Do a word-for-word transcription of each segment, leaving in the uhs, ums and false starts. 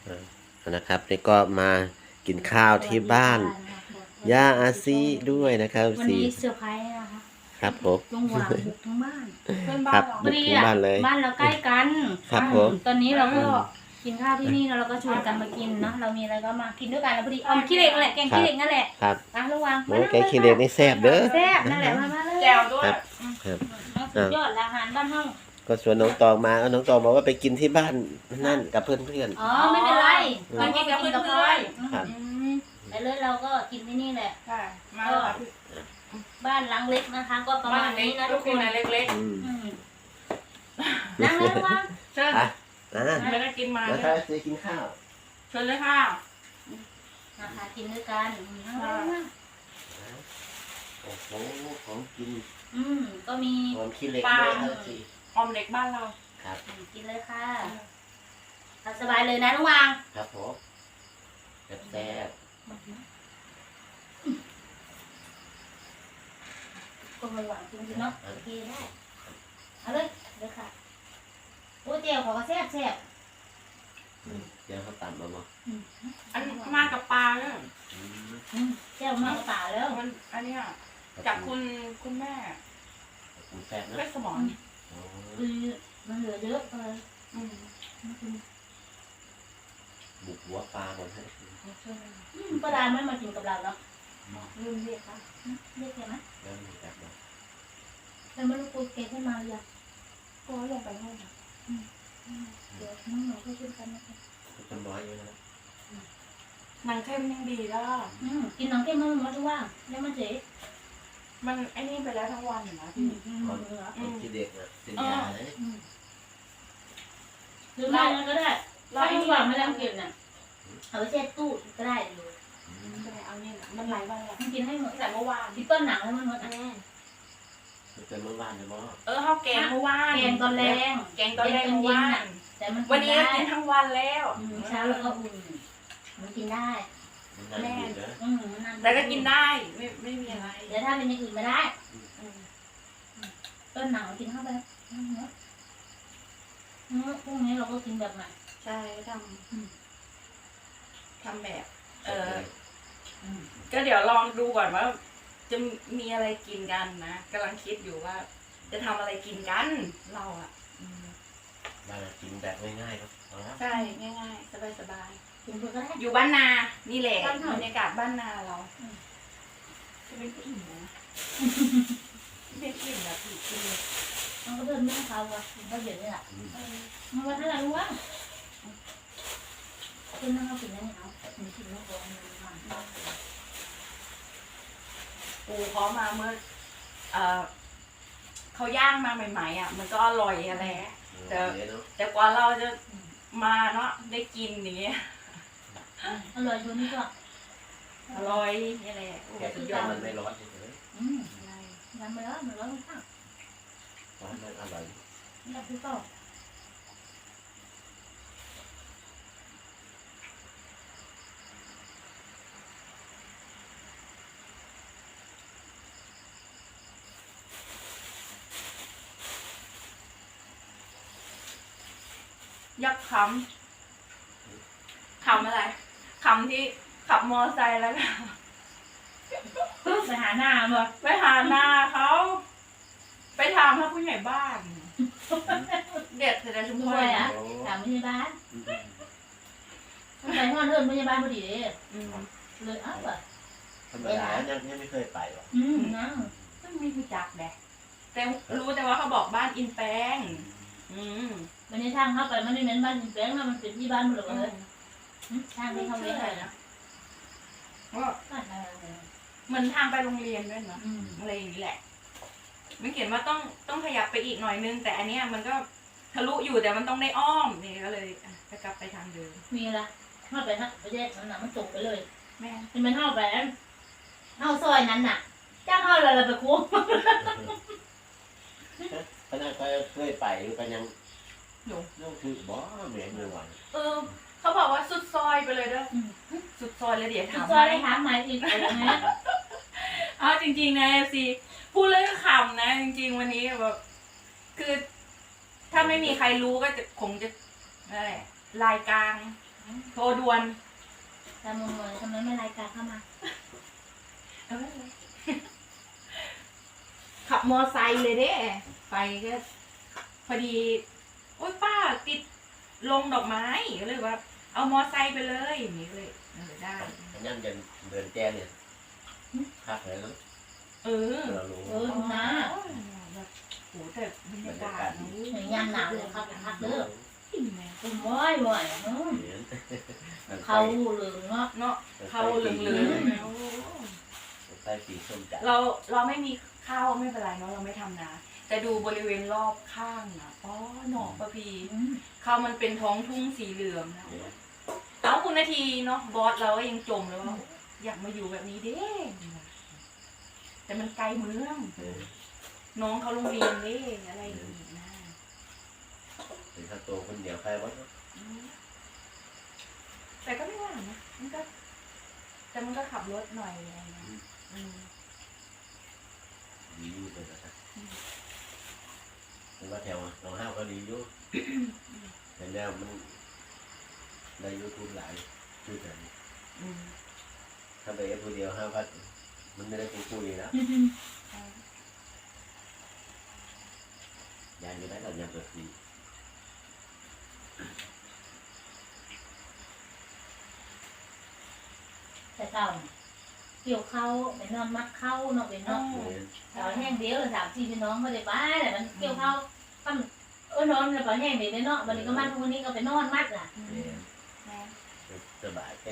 อ่านะครับนี่ก็มากินข้าวที่บ้านย่าอาซีด้วยนะครับวันสี่นี้เซอร์ไพรส์นะคะครับผมลุงหวางบุกทั้งบ้านเพื่อนคบ้ารันบเราบุกถึงบ้านเลยบ้านเราใกล้กันครับผมตอนนี้เราก็กินข้าวที่นี่แล้วเราก็ชวนกันมากินเนาะเรามีอะไรก็มากินด้วยกันแล้วพอดีออมขี้เหล็กนั่นแหละแกงขี้เหล็กนั่นแหละครับอ่ะลุงหวางโอ้แกงขี้เหล็กนี่แซ่บเด้อแซ่บนั่นแหละมามาเลยแจวด้วยครับครับสุดยอดอาหารบ้านห้องก็ชวนน้องตองมาแล้วน้องตองบอกว่าไปกินที่บ้านนั่นกับเพื่อนอ๋อไม่เป็นไรอืมเราก็ไปกินกับเพื่อนๆครับอืมไปเลยเราก็กินที่นี่แหละใช่มาแล้วค่ะบ้านหลังเล็กนะคะ ก็ประบ้ามาณนเล็นี้กนะลูทุกกคกินนอะไรเล็กอืมอืมนั่งเลยลุงหวางๆเชิญอ่ะอ่าไม่ได้กินมาแล้วเลถ้าย จะกินข้าวเชิญเลยค่ะนะคะกินด้วยกันอืมนั่งเลยนั่งโอ้โหของกินอืมก็มีหอมขี้เหล็กด้วยครับสิออมเล็กบ้านเราครับอืมกินเลยค่ะเอาสบายเลยนะลุงหวางครับผมแซ่บก็ไม่หวานจริงๆเนาะโอเคได้เอาเลยเลยค่ะโอ้เจียวของก็แซ่บแซ่บๆอืมเดี๋ยวเขาตำมาบ่อืมอันมากับปลาเนี่ยอืมอืมแซ่บมากกว่าป่าแล้วมันอันเนี้ยจากคุณคุณแม่คุณแซ่บนะเพชรสมรอ๋อคือมันเหลือเยอะเลยอืมบุกหัวปลาก่อนให้เชิญเลยอืมป้าดาไม่มากินกับเราเนาะลืมเรียกค่ะอืมเรียกแกไหมแล้วมีแบบว่าแต่ไม่รู้กูแกขึ้นมาหรือยังก็ลงไปห้องค่ะอืมเดี๋ยวน้องๆก็ช่วยกันนะคะคนน้อยอยู่นะหนังเข้มยังดีแล้วอืมกินน้องแก้มมันมาทุกว่างแล้วมันเจ๊มันไอ้นี่ไปแล้วทั้งวันอยู่นะอืพี่มอืมเหลือคนที่เด็กนะเป็นยาเลยอืมหรือไม่งั้นก็ได้ถ้าทุกว่างไม่ต้องกินน่ะเอาไปแช่ตู้ก็ได้เลยจะไปเอาเนี่ยนะมันหลายวันแล้วมันกินให้หมดแต่เมื่อวานที่ต้นหนังแล้วมันหมดอ่ะอืมมันเป็นเมื่อวานเลยมั้งเออข้าวแกงเมื่อวานแกงตอนแรงแกงตอนแรกเมื่อวานแต่มันวันนี้ได้กินทั้งวันแล้วอืมเช้าแล้วก็อุ่นมันกินได้มันนานอยู่นะอืมมันนานแต่ก็กินได้ไม่ไม่มีอะไรเดี๋ยวถ้าเป็นอย่างอื่นไม่ได้อืมต้นหนังกินเข้าไปอืมเนอะอืมพรุ่งนี้เราก็กินแบบใหม่ใช่ทอืมำทำแบบ เอออืมก็เดี๋ยวลองดูก่อนว่า จะมีอะไรกินกันนะกำลังคิดอยู่ว่า จะทำอะไรกินกันเราอ่ะอืมบ้านเรากินแบบง่ายๆครับเอาละใช่ง่ายๆสบายกินเพื่อก็ได้ๆอยู่บ้านนา นี่แหละบ้านนาบรรยากาศบ้านนาเราจะเป็นอิ่มนะเป็นอิ่มแบบอิ่มกินเลยมันก็เดินไม่ให้เขาว่ะมันก็เดี๋ยวนี่แหละอืมเออมันว่าถ้าเรารู้ว่าคุณนั่งเขากินได้เนี่ยเอาหนูกินไม่พอมันมันปูเขามาเมื่อเออเขาย่างมาใหม่ๆอ่ะ มันก็อร่อยอะไรเดี๋ยวเนาะแต่กว่าเราจะมาเนาะได้กินอย่างเงี้ยอร่อยดูนี่ก็อร่อยนี่แหละโอ้แกสุทุดกยอย่าอง ดมันไม่ร้อนเฉยอืมใช่ยังไม่ร้อนมันร้อนข้างๆร้อนมันอร่อยนี่คือก็ยักษ์คำคำอะไรคำที่ขับมอไซค์แล้วก็ไปหาหน้าบ่ไปหาหน้าเขาไปถามพระผู้ใหญ่บ้าน เด็ดเสร็จแล้วชุมพด้รวยอ่ะโอ้ถามพยาบาลอืมมันไปห้องเดินพยาบาลพอดีเลยอืมเลยอ้าวแบบธรรมดายังยังไม่เคยไปหรอกอืมนั่งก็ไม่รู้จักแดกแต่รู้แต่ว่าเขาบอกบ้านอินแปงอืมวันนี้ทางเข้าไปมันไม่เหมือนบ้านแบงค์นะมันเป็นที่บ้านหมดเลยทางที่เขาไม่ได้นะก็บ้านอะไรเหมือนทางไปโรงเรียนด้วยเนาะอืมอะไรอย่างนี้แหละไม่เขียนว่าต้องต้องขยับไปอีกหน่อยนึง แต่อันเนี้ยมันก็ทะลุอยู่แต่มันต้องได้อ้อมนี่ก็เลยอ่ะจะกลับไปทางเดิมมีอะไรเข้าไปฮะไปแยกนั้นน่ะมันตกไปเลยแม่มันมันเข้าไปเข้าซอยนั้นน่ะจ้างเข้าอะไรไปคุ้มขนาดก็เคยไปก็ยังหนูนั่นคือบ่เหมือนเมื่อวานเออเขาบอกว่าสุดซอยไปเลยเด้อสุดซอยเลยเดี๋ยวถามซอยไหมได้ถามใหม่อีกอะไรเงี้ยเอาจริงๆนะเอฟซีพูดเรื่องขำนะ จริง ๆ วันนี้แบบคือ ถ้าไม่มีใครรู้ก็จะคงจะอะไรลายกลางโทรด่วนแต่มึงเลยทำไมไม่รายการเข้ามาเออขับมอไซค์เลยเด้ไปก็พอดีโอ๊ยป้าติดลงดอกไม้ก็เลยว่า เอามอไซค์ไปเลยอย่างนี้เลยเออได้อันนั้นเดินเดินแจ้งเนี่ยพักเลยเนาะเออเรารู้เออดูนะแบบโหแต่บรรยากาศนะหน่วยงานหนาวเลยครับพักเด้อจริงไหมคุณว้อยว้อยเนาะเห็นเขาเหลืองเนาะเนาะเขาเหลืองๆแล้วใต้ปีส้มจัดเราเราไม่มีข้าวไม่เป็นไรเนาะเราไม่ทำนาแต่ดูบริเวณรอบข้างนะอ๋อหนองประพีอืมข้าวมันเป็นท้องทุ่งสีเหลืองนะเอาคุณนาทีเนาะบอสเราก็ยังจมเลยว่าอยากมาอยู่แบบนี้เด้แต่มันไกลเมืองเออน้องเขาโรงเรียนเด้อะไรอย่างนี้นะถึงถ้าโตคนเดียวใครวะอืมแต่ก็ไม่ว่านะมันก็ แต่มันก็ขับรถหน่อยอะไรเงี้ยอืมดีอยู่เลยนะครับถึงว่าแถวน้องห้าวก็ดีอยู่แต่แล้วมันในยูทูบหลายชื่อกันอืมถ้าไปเอฟคนเดียวห้าพันมันไม่ได้คุยคุยนะใช่ยายจะได้เราอยากเปิดฟรีแต่เก่าเกี่ยวเข้าไปนอนมัดเข้าเนาะไปนอนเห็นเราแห้งเดียวสามสี่พี่น้องเขาได้บ้าแต่มันเกี่ยวเข้าทำเออนอนแล้วก็แห้งเดียวเนาะวันนี้ก็มัดวันนี้ก็ไปนอนมัดล่ะอืมเห็นแม่สบายแค่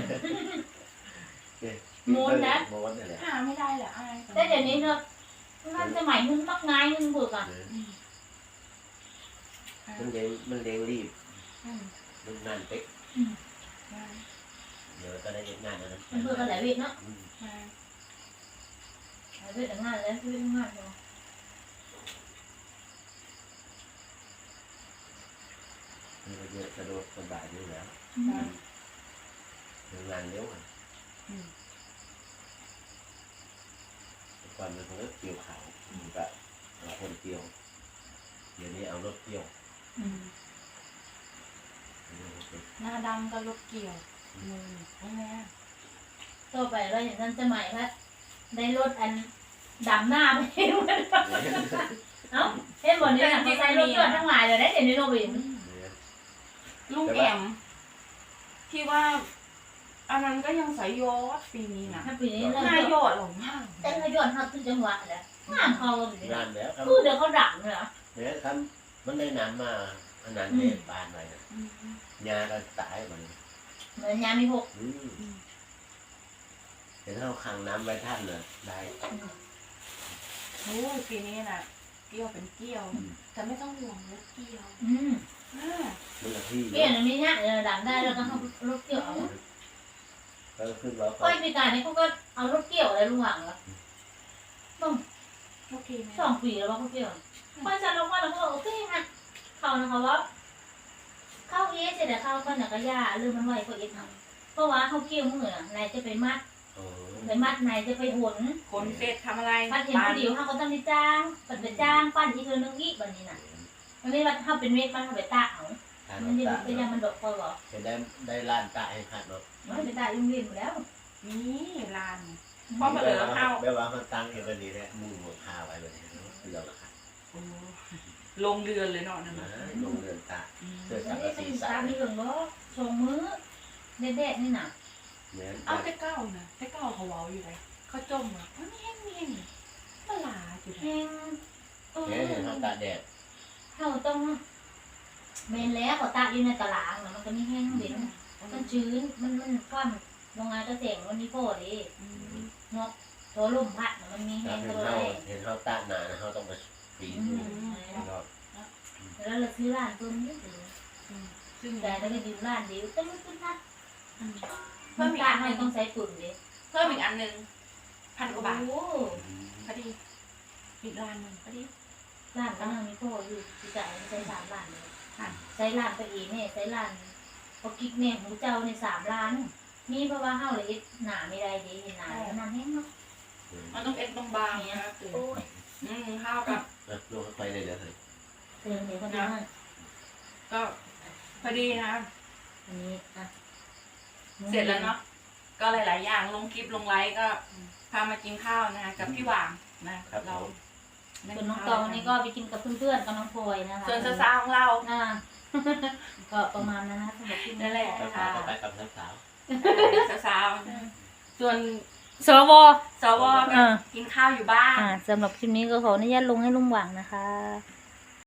โมนนะโมนนี่แหละหาไม่ได้เหรออายแต่เดี๋ยวนี้เนาะมันสมัยมันมักง่ายมันเบิกอ่ะอืมมันเลี้ยงมันเลี้ยงรีบอืมมันงานเป๊กมาเดี๋ยวก็ได้งานนั้นมันเบิกกันหลายเวทเนาะอืมมาหลายเวทแต่งานแล้วคือง่ายเนาะมันก็เยอะสะดวกสบายอยู่แล้วมาเรื่องงานเร็วอะอืมแต่ก่อนมันคงเกี่ยวเขามันก็เอาคนเกี่ยวเดี๋ยวนี้เอารถเกี่ยวอืมหน้าดำก็รถเกี่ยวมือใช่ไหมต่อไปเราเห็นท่านสมัยว่าได้รถอันดำหน้าไปเอ้าเห็นบ่เนี่ยเขาใส่รถยอดทั้งหลายเลยได้เดี๋ยวนี้เราเห็นลุงแอมที่ว่า อันนั้นก็ยังใส่ยอดปีนี้นะถ้าปีนี้เราหน้ายอดหลงมากแต่เขายอดเขาขึ้นจังหวะแหละงานเขาก็แบบนี้งานแล้วครับคือเดี๋ยวเขาดังเลยอ่ะเนี่ยครับมันได้น้ำมาขนาดเด็ดบานไปนะอืมยาก็ตายมันเหมือนยามีหกอืมเห็นเขาขังน้ำไว้ท่านเลยได้โอ้ยปีนี้น่ะ เกี่ยวเป็นเกี่ยว แต่ไม่ต้องห่วงรถเกี่ยวอืมอ่ามันละที่เกี่ยวอันนี้เนี่ยเออดังได้แล้วก็เขารถเกี่ยวเอาก็ขึ้นว่าก้อยปีการนี่เขาก็เอารถเกี่ยวอะไรลุงหวังแล้วโอเคไหมสองปีแล้วว่าเขาเกี่ยวก้อยจะลงว่าเราก็โอเคฮะเขานะคะว่าเข้าเอสเสร็จแล้วเข้าก็หนักกระยาลืมมันไว้เขาเอสทำเพราะว่าเขาเกี่ยวมือน่ะนายจะไปมัดโอ้ไปมัดนายจะไปหนคนเสร็จทำอะไรปั้นเห็นผู้เดียวเขาก็ต้องไปจ้างปั้นไปจ้างปั้นอีกเทื่อนึงอีกแบบนี้น่ะมันไม่ว่าถ้าเป็นเม็ดมันเขาไปตากเอาทานมันจะตาเป็นยังมันดอกคอยบอกจะได้ได้ล้านตาให้ขาดเนาะมันไปตากยุ่งเรียนอยู่แล้วนี่ลาน เพราะมันเหลือข้าวแม่ว่ามันตั้งเองก็ดีแหละมุ่งหัวข้าวไว้แบบนี้เรือละค่ะโอ้ลงเดือนเลยเนาะนั่นนะน่ะลงเรือนตาอืมเสื้อมัสันงไม่กะเป็สีนสาตาม มีเหลืองบ่ชงมือเด็ดๆนี่น่ะเหมือนเอาแต่เก้านะแต่เก้าเขาเว้าอยู่เลยเขาจมอ่ะมันไม่แห้งไม่แห้งมาลาอยู่เลยแห้งเออแค่เห็นเขาตาแดดเขาต้องเมนแล้วก็ตากอยู่ในตารางน่ะมันก็ไม่แห้งเด่นมันชื้นมันมันความโรงงานเกษตรมันมีโฟดิอืมเนาะตัวลมพัดน่ะมันมีแห้ถ้าง เห็ก็นเลเขายเห็นเขาตาหนาเขาต้องไปปีนดูรอบแล้วเราซื้อร้านตัวนี้อืมซึ่งแต่แล้วก็ดิวร้านเดียวแต่มันขึ้นนัดอืมเพิ่มตาให้ต้องใช้ปุ่นดิเพิ่มอีกอันหนึ่งพันกว่าบาทโอ้พอดีอีกร้านหนึ่งพอดีร้านก็นั่งมีโฟอยู่ที่จ่ายใช้สามล้านเลยค่ะใช้ร้านไปอีเนี่ยใช้ร้านพอกิ๊กเนี่ยหมูเจ้าในสามล้านนี่เพราะว่าเฮาเลยเฮ็ดหนาไม่ได้ดิเห็นหนาแล้วนานแห้งเนาะมันต้องเอ็นตรงบางนะครับโอ้ยอืมข้าวกับลงไปเลยเดี๋ยวเลยเตือนเดี๋ยวคนนั้นก็พอดีนะอันนี้อ่ะเสร็จแล้วเนาะก็หลายๆอย่างลงคลิปลงไลฟ์ก็พามากินข้าวนะคะกับพี่หว่างนะครับ เราส่วนน้องตองนี่ก็ไปกินกับเพื่อนๆกับน้องพลอยนะคะส่วนสาวๆของเราอ่า ก็ประมาณนั้นนะสำหรับที่นั่นแหละแล้วก็ไปกับสาวสาวๆส่วนสวสวก็กินข้าวอยู่บ้านอ่าสำหรับคลิปนี้ก็ขออนุญาตลงให้ลุงหว่างนะคะ